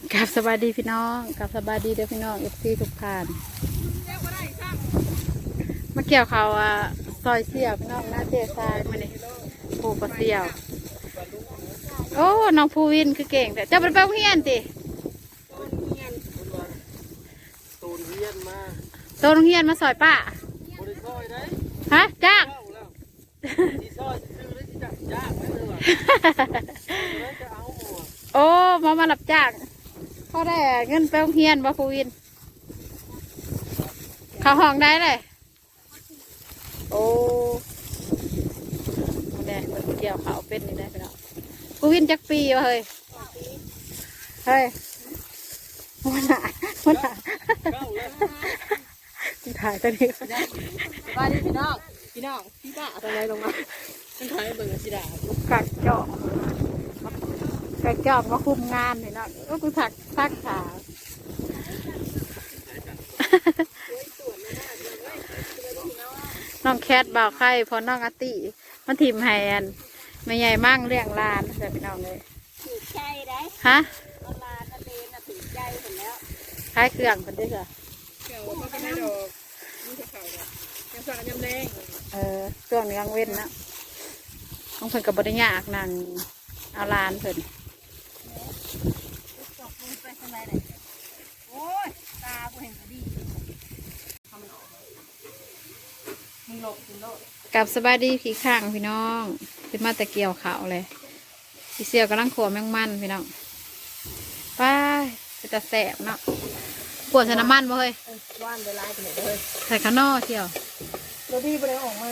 กับสบายดีพี่น้องกับสบายดีเด้อพี่น้องFCทุกท่านมาเกี่ยวเขาซอยเสี่ยวพี่น้องหน้าเจ๊ทรายมาเนี่ยปูปลาเสี่ยวโอ้น้องภูวินคือเก่งแต่เจ้าเป็นเป้าเฮียนติตูนเฮียนมาโตโรงเฮียนมาซอยป้าบริซอยได้ฮะจ้างที่ซอยซื้อได้ที่จ้างไม่เลยว่ะจะเอาหมดโอ้มารับจ้างเขาได้เงินไปโรงเฮียนบ่ภูวินเขาห้องได้เลยโอ้เนี่ยมันเกี่ยวเขาเป็นนี่ได้พี่น้องภูวินจักปีวะเฮ้ยเฮ้ยมันหนาถ่ายตัวนี้สบายดีพี่น้องพี่ป้าอะไรลงมาฉันถ่ายเบิ่งสิดากัดจอกมาคุมงานเลยนะก็กูถักขาน้องแคทบ่าวไข่พอน้องอาติมันทีมแฮนไม่ใหญ่มั่งเลี้ยงลานเดี๋ยวไปน้องเลยถือใจได้ฮะลานนั่นเองนะถือใจเห็นแล้วคล้ายเครื่องคนด้วยเหรอเกี่ยวก็ไม่ดอกนี่จะเข่าเนี่ยยังสั่งยำแดงเครื่องนี้ยังเว้นนะน้องเพิ่นกับบริญญาอักนางเอาลานเพิ่นตกลงไปทำไมเลยโอ้ยตากูเห็นพอดีทำมันออกมึงหลบมึงโลดกับสบายดีพี่ข้างพี่น้องเป็นมาแต่เกี่ยวเขาเลยพี่เสี่ยวกำลังขัวแมงมันพี่น้องไปจะแสบเนาะขวดใส่น้ำมันบ่เฮ้ยว่านไปไล่ไปเลยใส่ข้างนอกเที่ยวรถดีไปเลยออกมา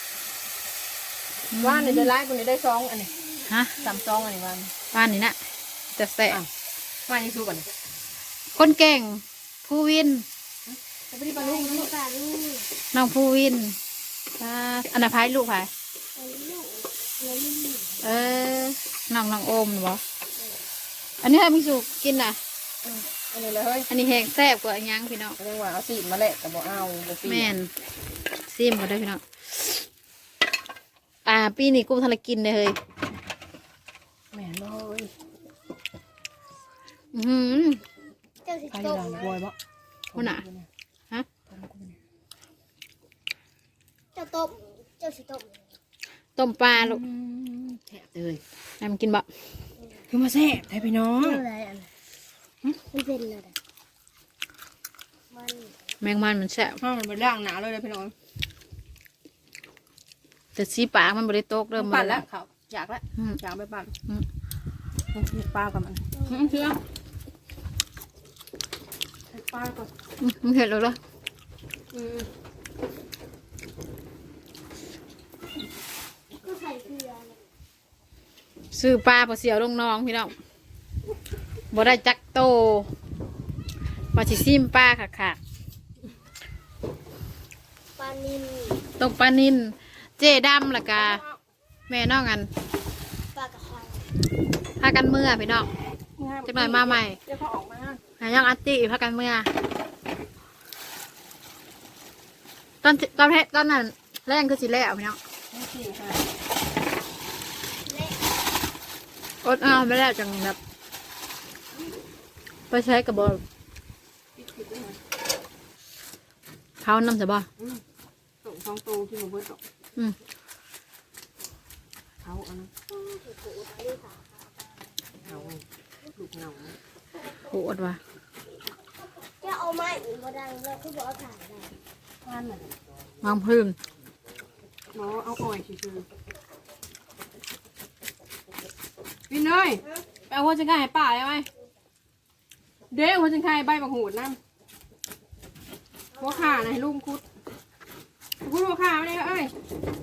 ว่านเนี่ยไปไล่คนนี้ได้ซองอันนี้ฮะ 3 ซองอันนี้ว่านนี่นะจะแสบว่านยังสู้กันคนเก่งภูวินจะไปดีปลาลูกน้องภูวินอันนั้นพายลูกพายน้องโอมหรือเปล่าอันนี้ให้พี่สุกินน่ะอันนี้เลยเฮ้ยอันนี้แห้งแซ่บกว่าอันยังพี่น้องเรียกว่าเอาซีมาแหละแต่บอกเอาแม่นซีมก็ได้พี่น้องปีนี้กูทำอะไรกินเลยเฮ้ยแม่เลยเจ้าสิโตบวยบ่คนน่ะฮะเจ้าสิต้มปลาลูกแทะเลยให้มันกินบ่คือมาแซ่บไทยพี่น้องอะไรอันไม่เป็นเลยแมงมันแซ่บมันไปล่างหนาเลยพี่น้องแต่สีปากมันบริโตกเริ่มปั่นแล้วเขาอยากแล้วอยากไปปั่นต้องกินปลากับมันเชื่อปลาก่อนมันเห็นเลยเหรอซื้อปลาพอเสียวลงน้องพี่น้องบ่ได้จักโตพอชิซิมปลาค่ะปลานินตกปลานินเจดำละกาแม่น้องกันปลากระไข่พากันเมื่อพี่น้องจะหน่อยมาใหม่เดี๋ยวเขาออกมาหายังอัตติพากันเมื่อตอนนั้นแรงคือสิแล้วพี่น้องอดเอาไม่ได้จังแบบไปใช้กระบอกเขาน้ำจะบ่ส่ง2 ตัวที่หนูเบิร์ตเขาอันนั้นเขาลูกเงาโหดว่ะจะเอาไม้มาดังแล้วคือบอกถ่ายได้ท่านน่ะวางพื้นหมอเอาอ่อยชื่อพี่เนยไปเอาหัวจังไก่ป่าได้ไหมเด้หัวจังไก่ใบบังหูดน้ำหัวขาไหนลุงคุดหัวขาไม่ได้เอ้ย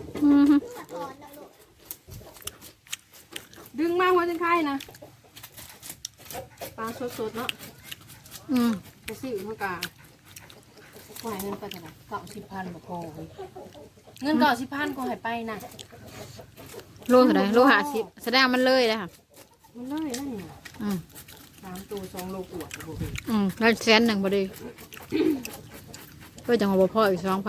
ดึงมาหัวจังไก่นะปลาสดๆเนาะไปซื้อเมื่อกาก็ให้เงินไปเท่าไหร่90,000บ่พอเงิน90,000ก็ให้ไปนะโลเท่าไหร่โล50แสดงมันเลยเลยค่ะมันเลยนั่นนี่3 ตัว 2 โลกว่าแล้ว100,000พอดีก็จังหวะพ่ออีก2,000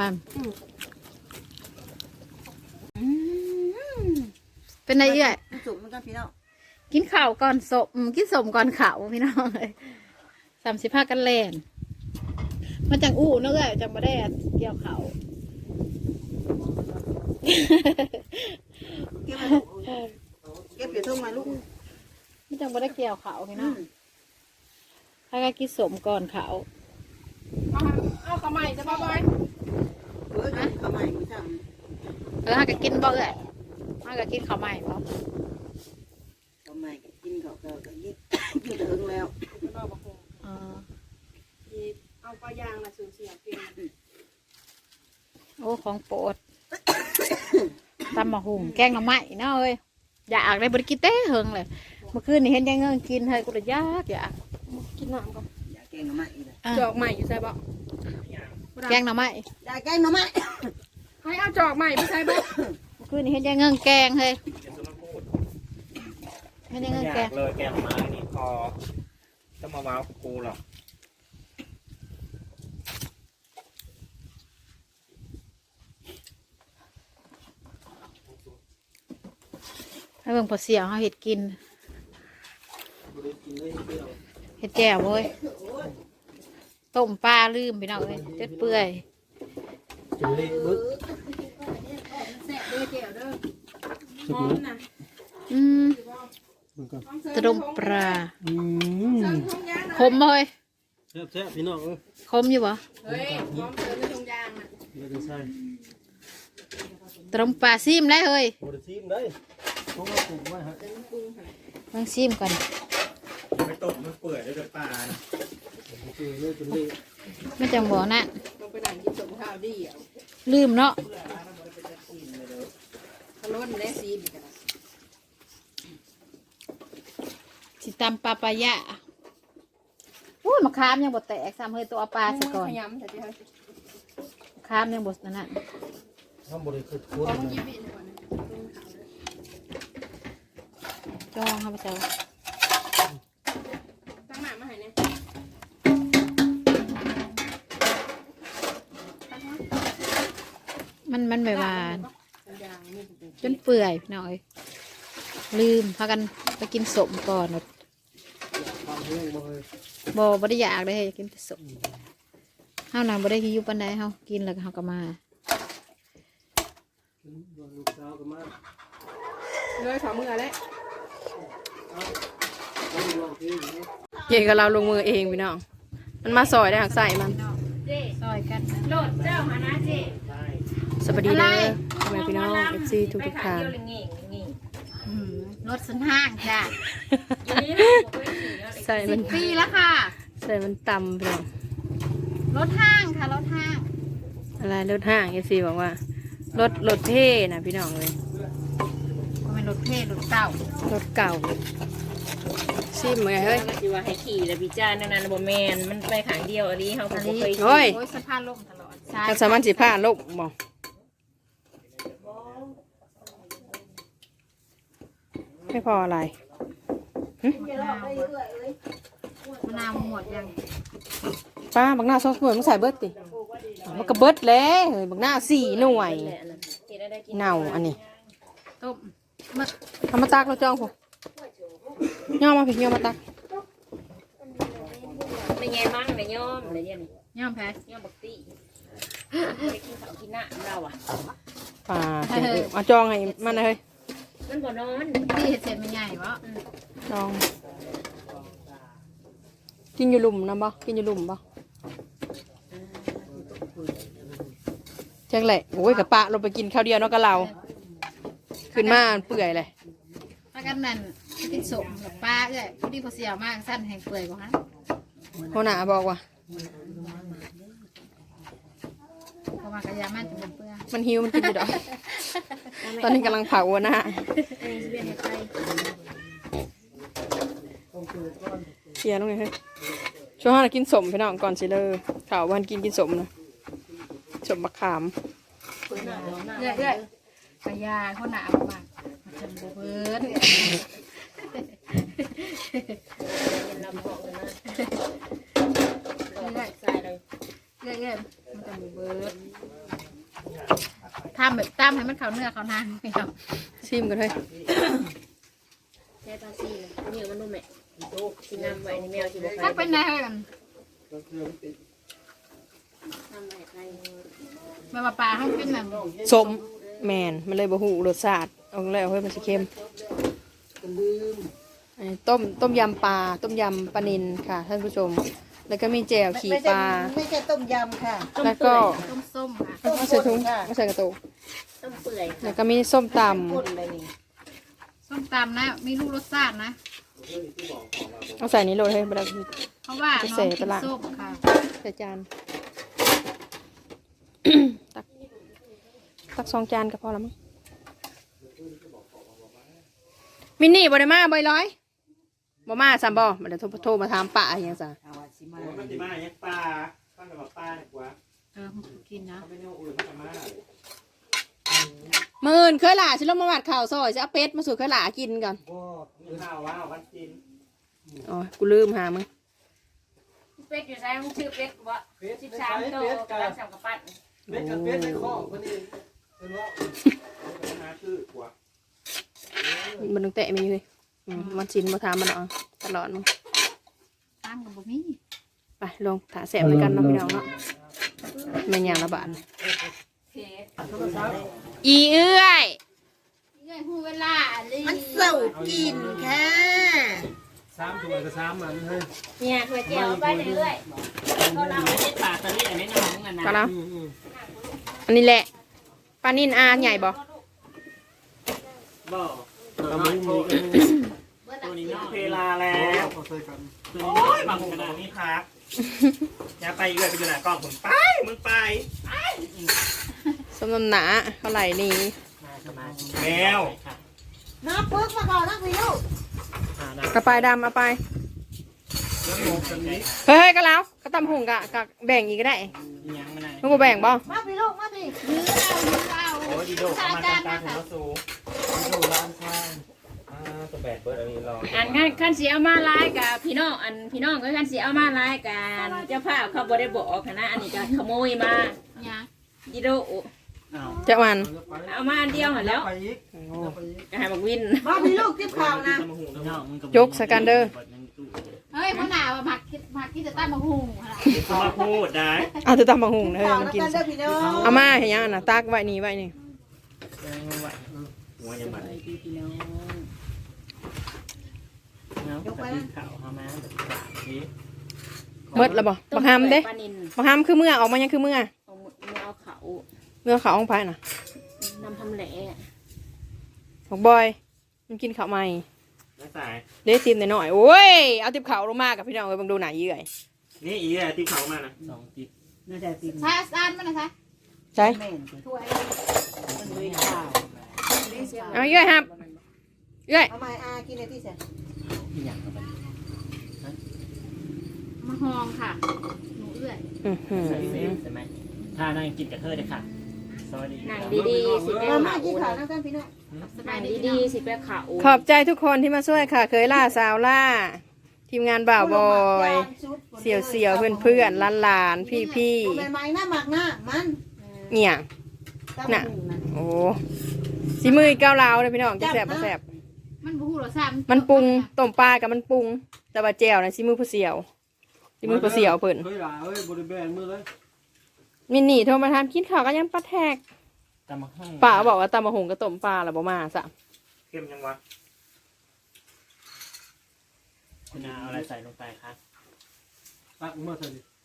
เป็นไงเอ้ยจุ่มมันกันพี่น้องกินข้าวก่อนสมกินสมก่อนข้าวพี่น้องเลย35กันแล่นมาจังอู้เนาะเอ้ยจังบ่ได้เกี่ยวข้าวเก็บเดี๋ยวทุ่งมาลูกมาจังบ่ได้เกี่ยวข้าวพี่น้องถ้าก็กินสมก่อนข้าวเอาข้าวใหม่จะบ่บอยเออทำไมมึงทถ้าก็กินบ่เอ้ยถ้าก็กินข้าวใหม่บ่ำทำไมกินเขาก็กินกินถึงแล้วบ่บ่คงอ๋อเอาปลายางน่ะสูญเสียเก่งโอ้ของโปรด ตำมะฮุ่งแกงหน่อไม้เนาะเอ้ยอยากได้บริกินเต้เฮิงเลยเมื่อคืนนี่เห็นยังเงินกินเฮ้ยกูเลยอยากกินน้ำก่อนอยากแกงหน่อไม้เลยจอกใหม่อยู่ใส่บ่แกงหน่อไม้อยากแกงหน่อไม้ให้เอาจอกใหม่ไปใส่บ่เมื่อคืนนี่เห็นยังเงินแกงเฮ้ยเห็นยังเงินอยาแกงกเลยแกงไม้นี่พอจะมาว้าวกูหรอกให้เบิ่งพอเสียงเขาเห็ดกินเห็ดแจ่วเว้ยต้มปลาลืมไปเนาะเอ้ยเจ็ดเปื่อยกินเล็กบึ๊กแซ่บเด้อแก้วเด้อหอมน่ะอืมตรมปลาเซิร์ฟทงยางคมบ่เฮ้ยแซ่บพี่น้องคมอยู่บ่เฮ้ยหอมเซิร์ฟทงยางน่ะไม่ได้ใช่ตรมปลาซิมได้เฮ้ยโมได้ซีมได้ต้องมาปรุงไว้ฮะลองซิมก่อนไม่ตกมันเปื่อยได้แต่ปลาเปื่อยเลยจนเละไม่จังบ่นั่นลงไปนั่งกินสมข้าวดีอ่ะลืมเนาะขล้นและซีนกันนะสิตำปลาปลายะอู้ยมะขามยังบดแตกซ้ำเฮ้ยตัวเอาปลาซะก่อนขยำแต่ที่เขามะขามยังบดนั่นน่ะถ้าบริสุทธิ์ขคุ้องนยิบอีกก่อนนะจ้องเข้าไปเจ้าตั้งหน้ามาให้เนี่ยมันไม่หวานทงยางนี่เป็นจนเปื่อยพี่น้อยลืมพากันไปกินสมก่อนหมดความแห้งบ่เลยบ่ได้อยากได้อยากกินแต่สมเฮานางบ่ได้หิวปานใดเฮากินแล้วก็เฮาก็มาลูกสาวก็มาเลยขอมือแล้วเย่กับเราลงมือเองพี่น้อง มันมาซอยได้หักใส่มันซอยกันโหลดเจ้าหานะเจ๊สวัสดีเด้อทำไมพี่น้อง FC ทุกทางรถสันห้างจ้ะใส่มันปีแล้วค่ะใส่มันต่ำพี่น้องรถห้างค่ะรถห้างอะไรรถห้าง FC บอกว่ารถเท่นะพี่น้องเลยก็เป็นรถเท่รถเก่ารถเก่าชิมเหมือนเฮ้ยที่ว่าให้ขี่แล้วพี่จ้านั่นบ่แมนมันไปขางเดียวอันนี้เขาก็บ่เคยโอ้ยโอ้ยสะพานล่มตลอดใช่กันสามันสิผ้าลบบอกไม่พออะไรมะนาวหมดยังป้าบักหน้าซอสหน่วยมึงใส่เบิร์ดติมันก็เบิร์ดแล้วเฮ้ยบักหน้า4 หน่วยเฮ็ดได้กินเน่าอันนี้ต้มมะทำมาตักเราจ้องผมย่อมาพี่ย่อมาตักไม่ไงมั่งไม่ย่อมอะไรเนี่ยนี่ย่อมแพ้ย่อมบักตี้ไปกินข้าวกินน้ำเราอ่ะป่าเอาจองให้มันนะเฮ้ยมันบ่นอนที่เห็ดเสร็จมันใหญ่วะจอง กินอยู่หลุมนะบ่กินอยู่หลุมบ่จังแหละโอ้ยกับปะเราไปกินข้าวเดียวเนาะกับเรา ขึ้นมาเปื่อยเลยถ้ากันนั่นกินสมกับปลาเอ้ยพอดีพอเสียมากสั้นแห่งเปื่อยกว่าฮะหัวหน้าบอกว่าเพราะว่ากระยามันจะเป็นเปื่อยมันหิวมันกินอยู่ดอก ตอนนี้กำลังเผาหัวหน้าอันนี้สิเป็นเฮ็ดไปเสียลงเลยเฮ้ยช่วงห้ากินสมพี่น้องก่อนสิเลยข่าววันกินสมนะสมมะขามเอ้ยเอ้ยกระยาเขาหนาวมากมันจะบ่เบิดลำบอกกันนะเอ้ยใส่เลยเอ้ยเอ้ยมันจะบ่เบิดทำแบบตำให้มันเข้าเนื้อเข้าหนังพี่น้องชิมกันเฮ้ยใช้ภาษีเลยยืมมันดูแม่สินำไว้นี่แมวสิบ่ถ้าไปเป็นได้กันนำไว้ใครแบบว่าปลาเขากินน่ะสมแมนมันเลยบ่หูรสชาติเอาแล้วเฮ้ยมันสิเค็มอันนี้ต้มยำปลาต้มยำปลานิลค่ะท่านผู้ชม แล้วก็มีแจ่วขี่ปลาไม่ใช่ต้มยำค่ะแล้วก็ต้มส้มค่ะไม่ใส่ถุงไม่ใส่กระตุกต้มเปื่อยแล้วก็มีส้มตพ่นเลยนี่ส้มตำนะมีลูกรสชาตินะำเอาใส่นี้โรยให้บดาเพราะว่าน้องกินส้มค่ะใส่จาน ตัก2 จานก็พอแล้วมั้งมินนี่บ่ได้มาบ่อยร้อยบ่มาซ้ำบ่มาเดี๋ยวโทรมาถามป้าอย่างจ้ะเอาว่าสิมามันจะมาอย่างปลาตั้งแต่ว่าปลาเนี่ยกว่ามันกินนะเขาไม่เอาอื่นมันจะมามื่นเคยหล่าฉันลงมาหวัดข่าวซอยจะเอาเป็ดมาสู่เคยหล่ากินก่อนบ่มีข้าวว้าววันจีนอ๋อกูลืมหามึงเป็ดอยู่ใส่มึงชื่อเป็ดบ่13โตกำลังสั่งกับปั้นเป็ดกับเป็ดในข้อคนนี้เป็นว่าหาคือกว่ามันต้องแตะมีอยู่เลยมันชินมาทำมันเอาตลอดมึงตั้งกับบ่มีไปลงถาแสบด้วยกันเนาะพี่น้องเนาะแม่นอย่างละบาทเผ็ดอีเอื้อยเงื่อนหูเวลาเลยมันเสิร์ฟกินค่ะ 3 ตัวกับ3มันเฮ้ยเนี่ยถ้วยแก้วไปเรื่อยๆก็เราไม่ได้ปลาตะลี่อันนี้น้องกันนะก็แล้วอันนี้แหละปลานินอาใหญ่บ่บ่ตัวนี้มีตัวนี้เวลาแล้วโอ้ยบางกระดาษนี่พักอย่าไปอยู่ไปอยู่ไหนกล้องผมไปมึงไปสมน้ำหนาเท่าไหร่นี่แมวน้ำปึ๊กมาก่อนนะพี่ลูกกระปายดำเอาไปแล้วโมกันนี้เฮ้ยก็แล้วก็ตำหุงกะแบ่งอีกก็ได้ยังไม่ได้มึงบ่แบ่งบ่มาพี่ลูกมาพี่ยื้อเอาโอ้ยดีโดเข้ามาตามตาถึงรถสูดีโดร้านข้างตัวแบดเบิร์ดอันนี้รออันขั้นสีเอามาไล่กับพี่น้องอันพี่น้องก็ขั้นสีเอามาไล่กันเจ้าภาพเขาบ่ได้บอกนะอันนี้ก็ขโมยมาเนี่ยดิโดจะวันเอามาอันเดียวหันแล้วไปอีกก็ให้บักวินมาพี่ลูกทิพข่าวนะยกสกันเดอร์เฮ้ยพ่อหนาวผักกินจะตั้งมาหุงค่ะเขามาพูดได้เอาตัวตำหุงเลยข่าวมันนะกินกันเด้อพี่น้องเอามาเห็นยังน่ะตักไว้นี่ไว้นี่หัวยังมันยกไปนะข่าวเข้ามาสีเมดแล้วบ่บักฮามเด้ปลานินบักฮามคือเมื่อออกมายังคือเมื่อเอาเขาเมื่อเขาห้องไผ่น่ะนำทำแหล่บอกบอยมันกินข้าวใหม่ไม่สายเด้ติมหน่อยๆโอ้ยเอาติบข้าวลงมากับพี่น้องเอ้ยบังดูหน่าเยื่อยนี่อีอะที่เขามานะ2ติ๊บน่าจะติดใช่ซานมันนะใช่ใช่แม่นถ้วยมันเลยข่าวเอาเยื่อยครับเยื่อยเอาไม้อากินในที่เสร็จมะฮองค่ะหนูเอื้อยอื้อหือใช่ไหมถ้านั่งกินกับเธอเลยค่ะสวัสดีหนังดีๆสิแป้มาขมากินข่าวาวนะกันพี่น้องสหบานัยงดีดีๆสิแป้ขาวขอบใจทุกคนที่มาช่วยค่ะ เคยล่าสาวล่า ทีมงานบ่าวบอยเสี่ยวเสี่ยวเพื่อนเพื่อนๆหลานๆพี่ใบไม้หน้าหมักหน้ามันๆเนี่ยตามน่ะหูนะโอ้สีมือเก้าวลาวเลยพี่น้องจะแสบบ่แสบมันบูหรอซ้ำมันปรุงต้มปลากับมันปรุง แต่ว่าแจ่วนะสีมือผู้เสี่ยวสีมือผู้เสี่ยวเพิ่นเฮ้ยหล่ะเฮ้ยบริเวณมือเลยมินนี่โทรมาทำกินข้าวก็ยังปลาแทกตามมาห้องป้าบอกว่าตำมะหงกับต้มปลาแล้วบ่มาซะเข้มยังวะคุณอาเอาอะไรใส่ลงไปคะตักเมื่อใส่ดิ